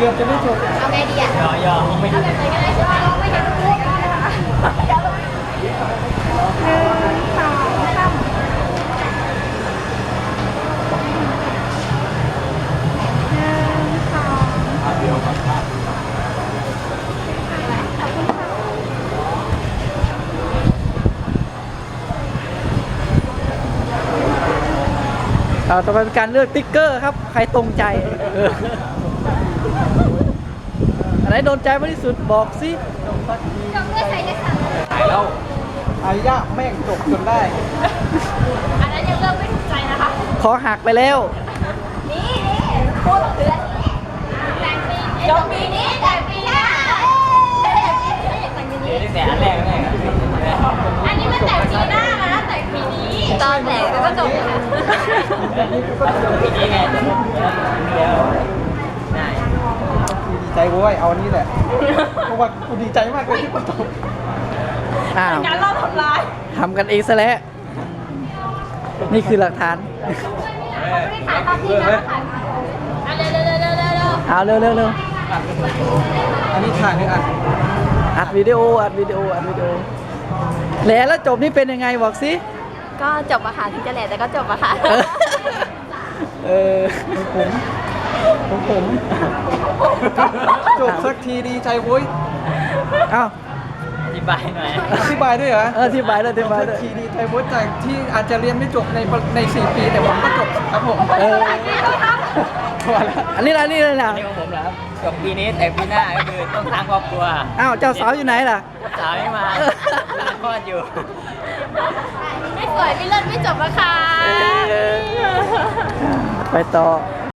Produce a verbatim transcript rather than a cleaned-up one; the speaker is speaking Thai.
กือบจะไม่จบเอาไงดีอ่ะยอยอไม่เอาแบบไหนก็ได้ใช่ไหมเราไม่เห็นรูปเลยนะคะหนึ่งสองสามหนึ่งสองเดียวครับขอบคุณค่ะเอาต่อไปเป็นการเลือกติ๊กเกอร์ครับ ใครตรงใจเอออันไหนโดนใจมากที่สุดบอกสิจงเลือกใส่ได้ค่ะถ่ายแล้วอายะแม่งจบจนได้อันนั้นยังเลือกไม่ถูกใจนะคะขอหักไปแล้วนี่นี่พูดเดือนนี้แต่งปีนี้จบปีนี้แต่งปีหน้าเอ้ยแต่งปีนี้ตั้งแต่อันแรกแรกอันนี้มันแต่งปีหน้านะแต่งปีนี้ตอนแต่งก็จบแล้วปีนี้ไงเดียวได้ดีใจเว้ยเอาอันนี้แหละเพราะว่ากูดีใจมากเลยที่มันจบอ้าวงานเราทำลายทำกันเองซะแล้ว นี่คือหลักฐานไม่ได้ถ่ายตอนที่นะถ่ายอ่ะเร็วเร็วเร็วเร็วเร็วเร็วเอาเร็วเร็วเร็วอันนี้ถ่ายหรืออัดอัดวิดีโออัดวิดีโออัดวิดีโอแล้วแล้วจบนี่เป็นยังไงบอกสิก็จบอะค่ะถึงจะแหล่แต่ก็จบอะค่ะเออเออผมผมผมจบสักทีดีใจเว้ยเอ้าอธิบายหน่อยอธิบายด้วยเหรอเอออธิบายเลยอธิบายสัเลกยทีดีใจเว้ยจากที่อาจจะเรียนไม่จบในในสี่ปีแต่ผมก็จบครับผมเออพอแล้วอันนี้ละนี่เลยนะอันนี้ของผมเหรอครับจบปีนี้แต่ปีหน้าก็คือต้องสร้างครอบครัวอ้าวเจ้าสาวอยู่ไหนล่ะสาวไม่มาลาคลอดอยู่ไม่สวยไม่เลิศไม่จบอะค่ะไปต่อไ